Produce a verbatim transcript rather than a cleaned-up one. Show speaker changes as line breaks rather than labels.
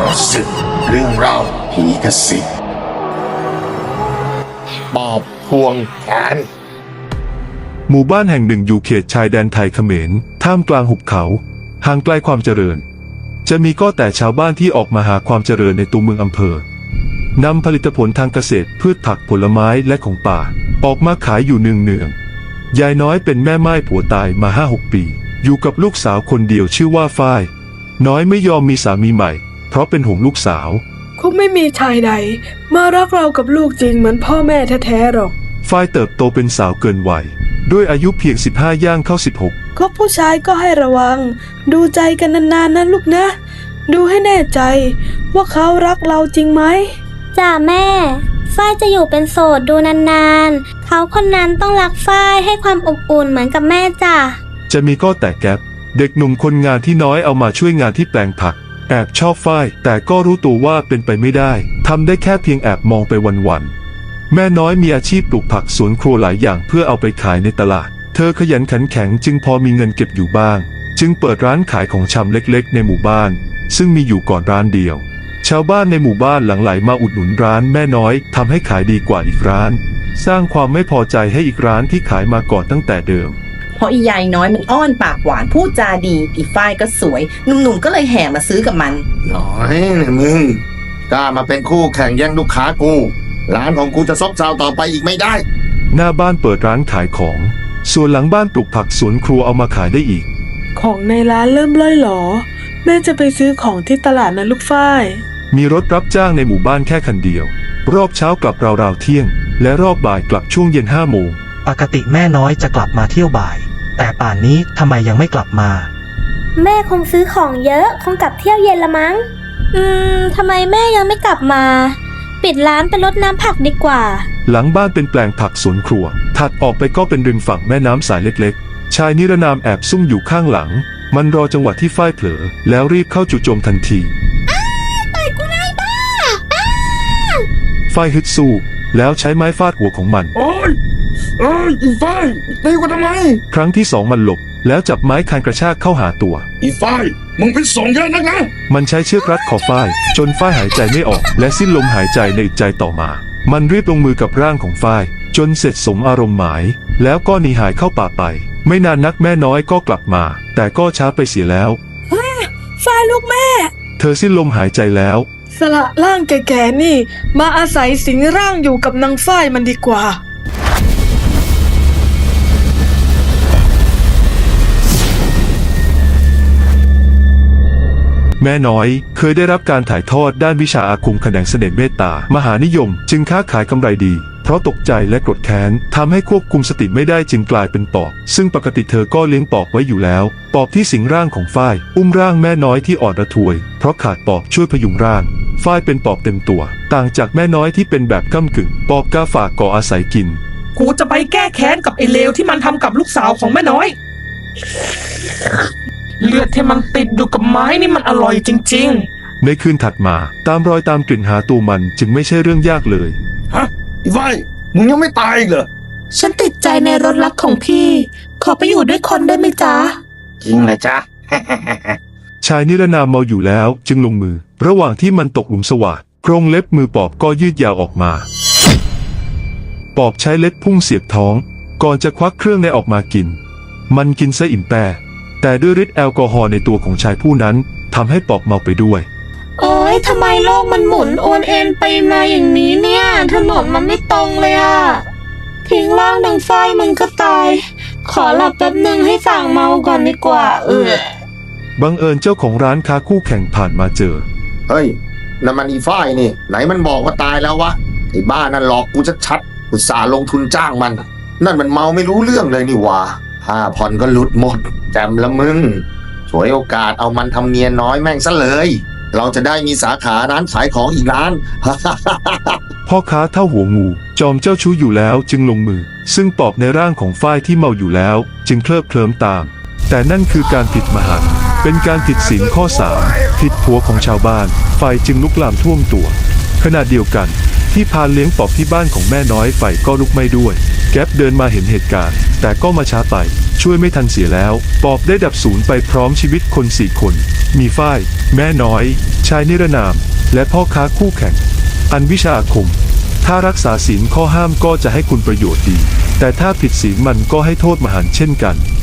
ศึกเรื่องเล่าผีกระสิบปอบพวงแขน
หมู่บ้านแห่งหนึ่งอยู่เขตชายแดนไทยเขมรท่ามกลางหุบเขาห่างไกลความเจริญจะมีก็แต่ชาวบ้านที่ออกมาหาความเจริญในตัวเมืองอำเภอนำผลิตผลทางเกษตรพืชผักผลไม้และของป่าออกมาขายอยู่เนืองเนืองยายน้อยเป็นแม่ไม้ผัวตายมาห้าหกปีอยู่กับลูกสาวคนเดียวชื่อว่าฝ้ายน้อยไม่ยอมมีสามีใหม่เพราะเป็นห่วงลูกสาว
คงไม่มีชายใดมารักเรากับลูกจริงเหมือนพ่อแม่แท้ๆหรอก
ฝ้ายเติบโตเป็นสาวเกินวัยด้วยอายุเพียงสิบห้าย่างเข้าสิบหก
ก็ผู้ชายก็ให้ระวังดูใจกันนานๆนะลูกนะดูให้แน่ใจว่าเขารักเราจริงไหม
จ้าแม่ฝ้ายจะอยู่เป็นโสดดูนานๆเขาคนนั้นต้องรักฝ้ายให้ความอบอุ่นเหมือนกับแม่จ้า
จะมีก็แต่แก๊ปเด็กหนุ่มคนงานที่น้อยเอามาช่วยงานที่แปลงผักแอบชอบฝ้ายแต่ก็รู้ตัวว่าเป็นไปไม่ได้ทำได้แค่เพียงแอบมองไปวันๆแม่น้อยมีอาชีพปลูกผักสวนครัวหลายอย่างเพื่อเอาไปขายในตลาดเธอขยันขันแข็งจึงพอมีเงินเก็บอยู่บ้างจึงเปิดร้านขายของชำเล็กๆในหมู่บ้านซึ่งมีอยู่ก่อนร้านเดียวชาวบ้านในหมู่บ้านหลั่งไหลมาอุดหนุนร้านแม่น้อยทำให้ขายดีกว่าอีกร้านสร้างความไม่พอใจให้อีกร้านที่ขายมาก่อนตั้งแต่เดิม
เพราะอียายน้อยมันอ้อนปากหวานพูดจาดีอีฝ้ายก็สวยหนุ่มๆก็เลยแห่มาซื้อกับมัน
น้อยเนี่ยมึงกล้ามาเป็นคู่แข่งแย่งลูกค้ากูร้านของกูจะซบเซาต่อไปอีกไม่ได้
หน้าบ้านเปิดร้านขายของส่วนหลังบ้านปลูกผักสวนครัวเอามาขายได้อีก
ของในร้านเริ่มล่อยหลอแม่จะไปซื้อของที่ตลาดนะลูกฝ้าย
มีรถรับจ้างในหมู่บ้านแค่คันเดียวรอบเช้ากลับราวๆเที่ยงและรอบบ่ายกลับช่วงเย็นห้าโมง
ปกติแม่น้อยจะกลับมาเที่ยวบ่ายแต่ป่านนี้ทำไมยังไม่กลับมา
แม่คงซื้อของเยอะคงกลับเที่ยวเย็นละมั้งอืมทำไมแม่ยังไม่กลับมาปิดร้านไปรดน้ำผักดีกว่า
หลังบ้านเป็นแปลงผักสวนครัวถัดออกไปก็เป็นริมฝั่งแม่น้ำสายเล็กๆชายนิรนามแอบซุ่มอยู่ข้างหลังมันรอจังหวะที่ฝ้ายเผลอแล้วรีบเข้าจู่โจมทันที
ต่อยกูนายบ้า
ฝ้ายฮึดสู้แล้วใช้ไม้ฟาดหัวของมัน
โอ้ยโอ้ยอีฝ้ายตีกูทำไม
ครั้งที่สองมันหลบแล้วจับไม้คานกระชากเข้าหาตัว
อีฝ้ายมึงเป็นสองเยอะนักนะ
มันใช้เชือกรัดคอฝ้ายจนฝ้ายหายใจไม่ออกและสิ้นลมหายใจในอึดใจต่อมามันรีบลงมือกับร่างของฝ้ายจนเสร็จสมอารมณ์หมายแล้วก็หนีหายเข้าป่าไปไม่นานนักแม่น้อยก็กลับมาแต่ก็ช้าไปเสียแล้ว
ฝ้ายลูกแม่
เธอสิ้นลมหายใจแล้ว
สละร่างแก่ๆนี่มาอาศัยสิงร่างอยู่กับนางฝ้ายมันดีกว่า
แม่น้อยเคยได้รับการถ่ายทอดด้านวิชาอาคมแขนงเสน่ห์เมตตามหานิยมจึงค้าขายกำไรดีเพราะตกใจและโกรธแค้นทำให้ควบคุมสติไม่ได้จึงกลายเป็นปอบซึ่งปกติเธอก็เลี้ยงปอบไว้อยู่แล้วปอบที่สิงร่างของฝ้ายอุ้มร่างแม่น้อยที่อ่อนระทวยเพราะขาดปอบช่วยพยุงร่างฝ้ายเป็นปอบเต็มตัวต่างจากแม่น้อยที่เป็นแบบก้ำกึ่งปอบกาฝากก่ออาศัยกิน
กูจะไปแก้แค้นกับไอ้เลวที่มันทำกับลูกสาวของแม่น้อยเลือดที่มันติดอยู่กับไม้นี่มันอร่อยจริง
ๆในคืนถัดมาตามรอยตามกลิ่นหาตัวมันจึงไม่ใช่เรื่องยากเลย
ฮะอีฝ้ายมึงยังไม่ตายอีกเหรอ
ฉันติดใจในรถลักของพี่ขอไปอยู่ด้วยคนได้ไหมจ๊ะ
จริงเลยจ๊ะ
ชายนิรนามเมาอยู่แล้วจึงลงมือระหว่างที่มันตกหลุมสวาทโครงเล็บมือปอบก็ยืดยาวออกมาปอบใช้เล็บพุ่งเสียบท้องก่อนจะควักเครื่องในออกมากินมันกินซะอิ่มแปรแต่ด้วยฤทธิ์แอลกอฮอล์ในตัวของชายผู้นั้นทำให้ปอบเมาไปด้วย
โอ๊ยทำไมโลกมันหมุนโอนเอ็นไปมาอย่างนี้เนี่ยถนนมันไม่ตรงเลยอะทิ้งร่างดังฝ้ายมึงก็ตายขอหลับแป๊บนึงให้สั่งเมาก่อนดีกว่าเออ
บังเอิญเจ้าของร้านค้าคู่แข่งผ่านมาเจอ
เฮ้ยนั่นมันอีฝ้ายนี่ไหนมันบอกว่าตายแล้ววะไอ้บ้านั่นหลอกกูชัดๆอุตส่าห์ลงทุนจ้างมันนั่นมันเมาไม่รู้เรื่องเลยนี่วะห้าผ่อนก็หลุดหมดแจมละมึงฉวยโอกาสเอามันทำเมียน้อยแม่งซะเลยเราจะได้มีสาขาร้านขายของอีกร้าน
พ่อค้าเท่าหัวงูจอมเจ้าชู้อยู่แล้วจึงลงมือซึ่งปอบในร่างของฝ้ายที่เมาอยู่แล้วจึงเคลิบเคลิ้มตามแต่นั่นคือการผิดมหันต์เป็นการผิดศีลข้อสามผิดผัวของชาวบ้านไฟจึงลุกลามท่วมตัวขณะเดียวกันที่พานเลี้ยงปอบที่บ้านของแม่น้อยไฟก็ลุกไหม้ด้วยแก๊ปเดินมาเห็นเหตุการณ์แต่ก็มาช้าไปช่วยไม่ทันเสียแล้วปอบได้ดับสูญไปพร้อมชีวิตคนสี่คนมีฝ้ายแม่น้อยชชายนิรนาม และพ่อค้าคู่แข่ง อันวิชาอาคม ถ้ารักษาศีลข้อห้ามก็จะให้คุณประโยชน์ดี แต่ถ้าผิดศีลมันก็ให้โทษมหันต์เช่นกัน